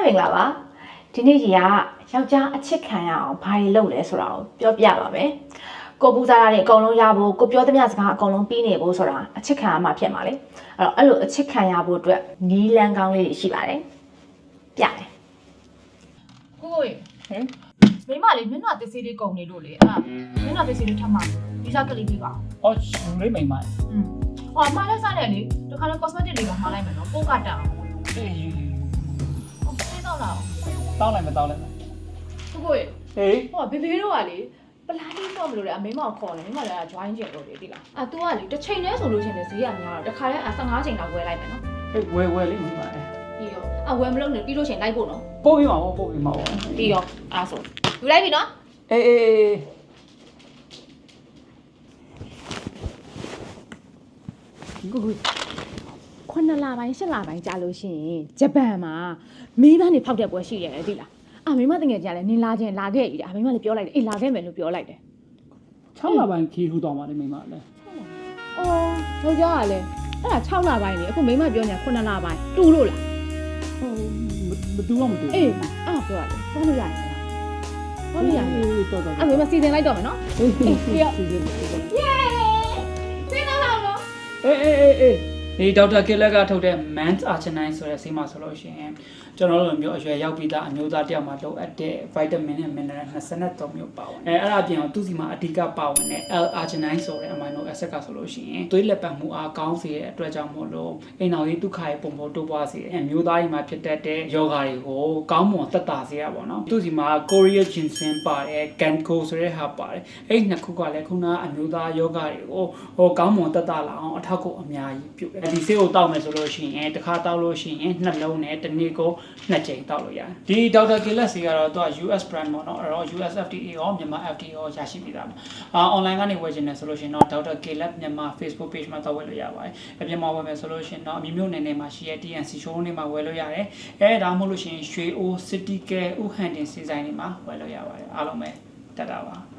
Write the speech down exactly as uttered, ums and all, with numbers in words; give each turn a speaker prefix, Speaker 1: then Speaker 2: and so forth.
Speaker 1: မင်္ဂလာပါဒီနေ့ကြီးကယောက်ျားအချစ်ခံရအောင်ဘာတွေလုပ်လဲဆိုတာကိုပြောပြပါမယ်ကိုပူစားရတဲ့အကုန်လုံးရဖို့ကိုပြောသမျှစကားအကုန်လုံးပြီးနေဖို့ဆိုတာအချစ်ခံရမှာဖြစ်မှာလေအဲ့တော့အဲ့လိုအချစ်ခံရဖို့အတွက်နီးလန်းကောင်းလေးတွေရှိပါတယ်ပြတယ်ကိုကိုရေဟင်မိမလေးမျက်နှာတစ်စီးလေးကုန်နေလို့လေအဲ့မျက်နှာတစ်စီးလေးထပ်မှာဗီဇာကလေးပြီးပါ
Speaker 2: အော်ယူလေးမိမ
Speaker 1: อืมဟောမှားလဲစားတယ်လေတခါလဲ cosmetic လေးပါမှားလိုက်မယ်နော်ပို့ကတန်အောင်
Speaker 2: အေးယူယူ
Speaker 1: ဟောသိတော့လား
Speaker 2: တောင်းလိုက်မတောင်းလိုက်
Speaker 1: ကိုကိုရေ
Speaker 2: ဟေး
Speaker 1: ဟောဘေဘေတို့ကလေပလာတီတော့မလို့လေအမေမောင်ခေါ်တယ်မိမလည်း join ကျင်လို့လေဒီလားအာ तू ကလေတစ်ချိန်တည်းဆိုလို့ရှင်လေဈေးကများတော့တခါလဲဆယ်ငါးချိန်လောက်ဝယ်လိုက်မယ်နော်
Speaker 2: ဟေးဝယ်ဝယ်လေးမိမ
Speaker 1: ပြီးရောအဝယ်မလုပ်နဲ့ပြီးလို့ရှင်လိုက်ဖို့နော်
Speaker 2: ပို့ပြီးမှာပို့ပြီးမှာပေါ့
Speaker 1: ပြီးရောအားဆိုယူလိုက်ပြီနော်
Speaker 2: အေးအေးအေး
Speaker 1: ကိုကိုခုနှစ်လပိုင်းရှစ်လပိုင်းကြာလို့ရှိရင်ဂျပန်မှာမီးပန်းနေဖောက်တဲ့ပွဲရှိရတယ်သိလားအာမိမတငယ်ကြလည်းနင်လာခြင်းလာခဲ့ပြီအာမိမလည်းပြောလိုက်တယ်အေးလာခဲ့မယ်လို့ပြောလိုက်တယ်
Speaker 2: ၆လပိုင်းခီးထူတော့မှာလေမိမလည်း
Speaker 1: အော်ယောက်ျားကလည်းအဲ့ဒါ၆လပိုင်းလေအခုမိမပြောညာခုနှစ်လပိုင်းတူလို့လား
Speaker 2: ဟိုမတူတော့မတူ
Speaker 1: အေးအားပြောရတယ်ပေါင်းလို့ရတယ်ပေါင်းလို့ရတယ်
Speaker 2: အေးတော်တော်
Speaker 1: အဲ့မိမစီစဉ်လိုက်တော့မယ်နော်
Speaker 2: အေးပြီးရော
Speaker 1: ယေးစင်းတော့လားနော်
Speaker 2: အေးအေးအေးအေးဒီဒေါက်တာကီလက်ကထုတ်တဲ့ Man's Arginine ဆိုတဲ့ဆေးမှာဆိုလို့ရှိရင်ကျွန်တော်တို့မျိုးအရွယ်ရောက်ပြီးသားအမျိုးသားတယောက်မှာလိုအပ်တဲ့ vitamin နဲ့ mineral ၂၃မျိုးပါဝင်အဲအဲ့ဒါအပြင်သူ့စီမှာအဓိကပါဝင်တဲ့ L-arginine ဆိုတဲ့ amino acid ကဆိုလို့ရှိရင်သွေးလက်ပတ်မှုအားကောင်းစေတဲ့အတွက်ကြောင့်မို့လို့အိမ်တော်ရေးဒုက္ခရဲ့ပုံပေါ်တိုးပွားစေတဲ့အမျိုးသားတွေမှာဖြစ်တတ်တဲ့ယောဂါတွေကိုကောင်းမွန်သက်သာစေရပါတော့သူ့စီမှာ Korea ginseng ပါတယ် Ginkgo ဆိုတဲ့ဟာပါတယ်အဲ့နှစ်ခုကလည်းခုနကအမျိုးသားယောဂါတွေကိုဟိုကောင်းမွန်သက်သာလာအောင်အထောက်အကူအများကြီးပြုတယ်ဒီဆေးကိုတောက်မယ်ဆိုလို့ရှိရင်တစ်ခါတောက်လို့ရှိရင်နှလုံးနဲ့တစ်နေ့ကိုနှစ်ကြိမ်တောက်လို့ရတယ်ဒီဒေါက်တာကီလက်စီကတော့သူက U S brand ပေါ့နော်အဲ့တော့ U S F D A ရောမြန်မာ F D A ရောရရှိပြီးသားပါအာ online ကနေဝယ်ချင်တယ်ဆိုလို့ရှိရင်တော့ဒေါက်တာကီလက်မြန်မာ Facebook page မှာတော့ဝယ်လို့ရပါတယ်အပြင်မှာဝယ်မယ်ဆိုလို့ရှိရင်တော့အမျိုးမျိုးနယ်နယ်မှာရှိတဲ့ T N C showroom တွေမှာဝယ်လို့ရတယ်အဲဒါမှမဟုတ်လို့ရှိရင်ရွှေအို City Care ဥဟန်တင်စီဆိုင်တွေမှာဝယ်လို့ရပါတယ်အားလုံးပဲတက်တာပါ